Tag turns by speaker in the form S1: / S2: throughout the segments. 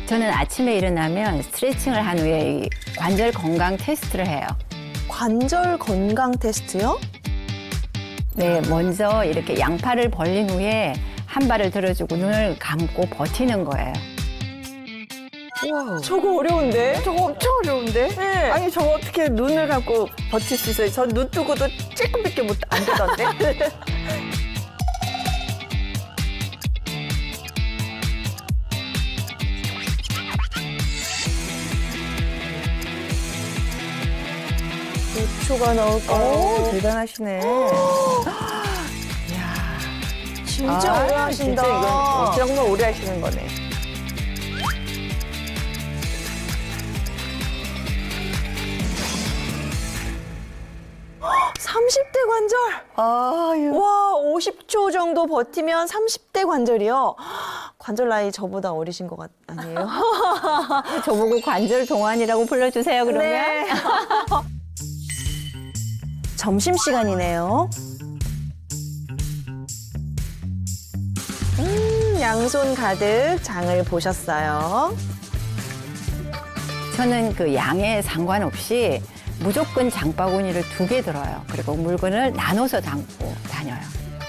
S1: 저는 아침에 일어나면 스트레칭을 한 후에 이 관절 건강 테스트를 해요.
S2: 관절 건강 테스트요?
S1: 네, 먼저 이렇게 양팔을 벌린 후에 한 발을 들어주고 눈을 감고 버티는 거예요.
S2: 우와. 저거 어려운데?
S3: 저거 엄청 어려운데?
S2: 네.
S3: 아니 저거 어떻게 눈을 감고 버틸 수 있어요? 전 눈 뜨고도 찔끔밖에 안 되던데?
S2: 몇 초가 나올까요?
S3: 오, 대단하시네.
S2: 진짜
S3: 아,
S2: 오래 하신다.
S3: 진짜 이건 정말 오래 하시는 거네.
S2: 삼십 대 관절.
S3: 아유.
S2: 와, 50초 정도 버티면 30대 관절이요. 관절 나이 저보다 어리신 것 아니에요?
S1: 저보고 관절 동안이라고 불러주세요, 그러면.
S2: 네. 점심시간이네요. 양손 가득 장을 보셨어요.
S1: 저는 그 양에 상관없이 무조건 장바구니를 2개 들어요. 그리고 물건을 나눠서 담고 다녀요.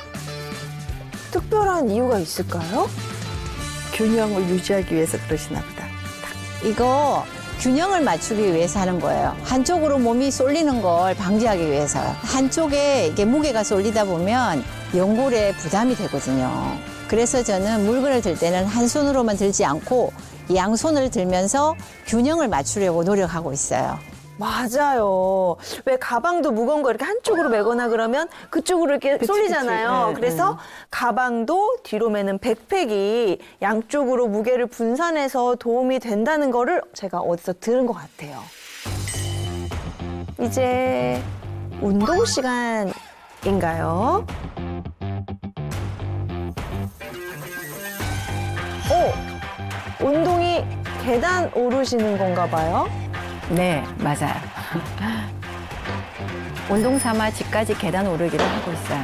S2: 특별한 이유가 있을까요?
S3: 균형을 유지하기 위해서 그러시나 보다.
S4: 이거 균형을 맞추기 위해서 하는 거예요. 한쪽으로 몸이 쏠리는 걸 방지하기 위해서요. 한쪽에 이게 무게가 쏠리다 보면 연골에 부담이 되거든요. 그래서 저는 물건을 들 때는 한 손으로만 들지 않고 양손을 들면서 균형을 맞추려고 노력하고 있어요.
S2: 맞아요. 왜 가방도 무거운 거 이렇게 한쪽으로 메거나 그러면 그쪽으로 이렇게 쏠리잖아요.
S3: 네,
S2: 그래서 가방도 뒤로 매는 백팩이 양쪽으로 무게를 분산해서 도움이 된다는 거를 제가 어디서 들은 것 같아요. 이제 운동 시간인가요? 운동이 계단 오르시는 건가 봐요?
S1: 네, 맞아요. 운동 삼아 집까지 계단 오르기를 하고 있어요.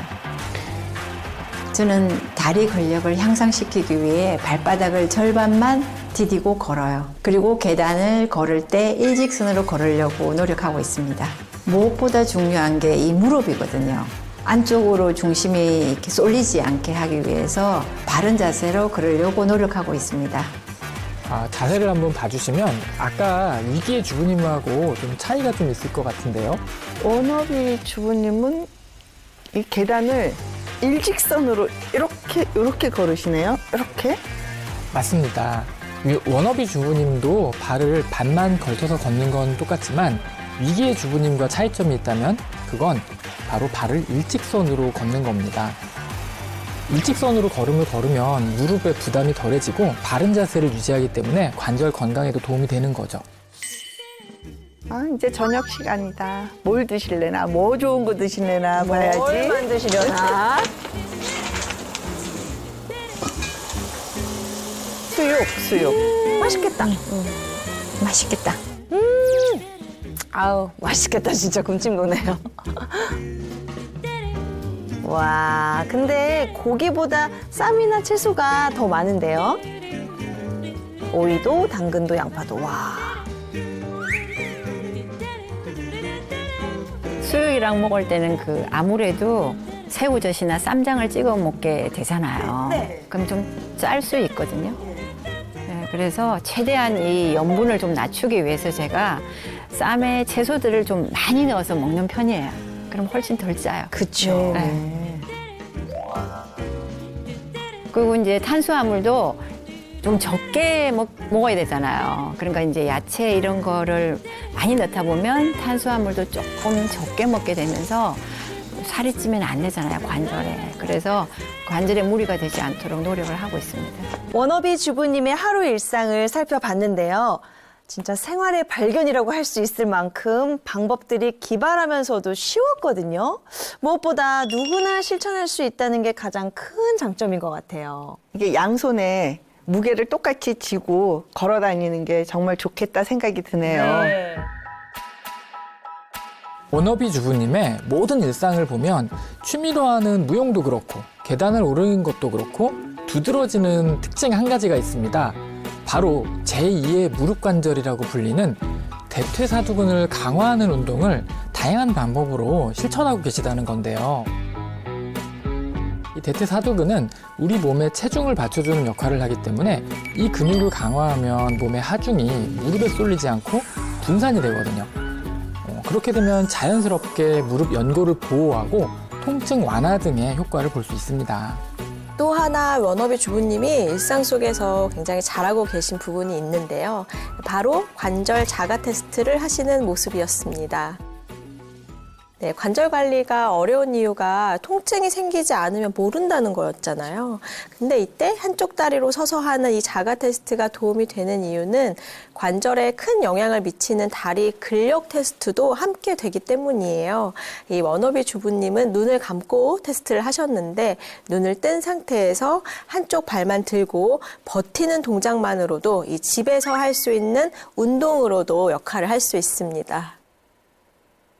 S4: 저는 다리 근력을 향상시키기 위해 발바닥을 절반만 디디고 걸어요. 그리고 계단을 걸을 때 일직선으로 걸으려고 노력하고 있습니다. 무엇보다 중요한 게 이 무릎이거든요. 안쪽으로 중심이 이렇게 쏠리지 않게 하기 위해서 바른 자세로 걸으려고 노력하고 있습니다.
S5: 자세를 한번 봐주시면 아까 위기의 주부님하고 좀 차이가 좀 있을 것 같은데요.
S3: 원업이 주부님은 이 계단을 일직선으로 이렇게 걸으시네요. 이렇게.
S5: 맞습니다. 워너비 주부님도 발을 반만 걸쳐서 걷는 건 똑같지만 위기의 주부님과 차이점이 있다면 그건 바로 발을 일직선으로 걷는 겁니다. 일직선으로 걸음을 걸으면 무릎에 부담이 덜해지고 바른 자세를 유지하기 때문에 관절 건강에도 도움이 되는 거죠.
S3: 아, 이제 저녁 시간이다. 뭘 드실래나, 뭐 좋은 거 드실래나 봐야지.
S2: 뭘 만드시려나?
S3: 수육.
S2: 맛있겠다.
S4: 맛있겠다.
S2: 아우, 맛있겠다. 진짜 군침 도네요. 와, 근데 고기보다 쌈이나 채소가 더 많은데요? 오이도, 당근도, 양파도. 와.
S1: 수육이랑 먹을 때는 그 아무래도 새우젓이나 쌈장을 찍어 먹게 되잖아요.
S2: 네.
S1: 그럼 좀 짤 수 있거든요. 네, 그래서 최대한 이 염분을 좀 낮추기 위해서 제가 쌈에 채소들을 좀 많이 넣어서 먹는 편이에요. 그럼 훨씬 덜 짜요.
S2: 그쵸.
S1: 네. 그리고 이제 탄수화물도 좀 적게 먹어야 되잖아요. 그러니까 이제 야채 이런 거를 많이 넣다 보면 탄수화물도 조금 적게 먹게 되면서 살이 찌면 안 되잖아요, 관절에. 그래서 관절에 무리가 되지 않도록 노력을 하고 있습니다.
S2: 워너비 주부님의 하루 일상을 살펴봤는데요. 진짜 생활의 발견이라고 할 수 있을 만큼 방법들이 기발하면서도 쉬웠거든요. 무엇보다 누구나 실천할 수 있다는 게 가장 큰 장점인 것 같아요.
S3: 이게 양손에 무게를 똑같이 쥐고 걸어 다니는 게 정말 좋겠다 생각이 드네요.
S5: 워너비 주부님의 모든 일상을 보면 취미로 하는 무용도 그렇고 계단을 오르는 것도 그렇고 두드러지는 특징 한 가지가 있습니다. 바로 제2의 무릎 관절이라고 불리는 대퇴사두근을 강화하는 운동을 다양한 방법으로 실천하고 계시다는 건데요. 이 대퇴사두근은 우리 몸의 체중을 받쳐주는 역할을 하기 때문에 이 근육을 강화하면 몸의 하중이 무릎에 쏠리지 않고 분산이 되거든요. 그렇게 되면 자연스럽게 무릎 연골을 보호하고 통증 완화 등의 효과를 볼 수 있습니다.
S6: 또 하나 워너비 주부님이 일상 속에서 굉장히 잘하고 계신 부분이 있는데요. 바로 관절 자가 테스트를 하시는 모습이었습니다. 네, 관절 관리가 어려운 이유가 통증이 생기지 않으면 모른다는 거였잖아요. 근데 이때 한쪽 다리로 서서 하는 이 자가 테스트가 도움이 되는 이유는 관절에 큰 영향을 미치는 다리 근력 테스트도 함께 되기 때문이에요. 이 워너비 주부님은 눈을 감고 테스트를 하셨는데 눈을 뜬 상태에서 한쪽 발만 들고 버티는 동작만으로도 이 집에서 할 수 있는 운동으로도 역할을 할 수 있습니다.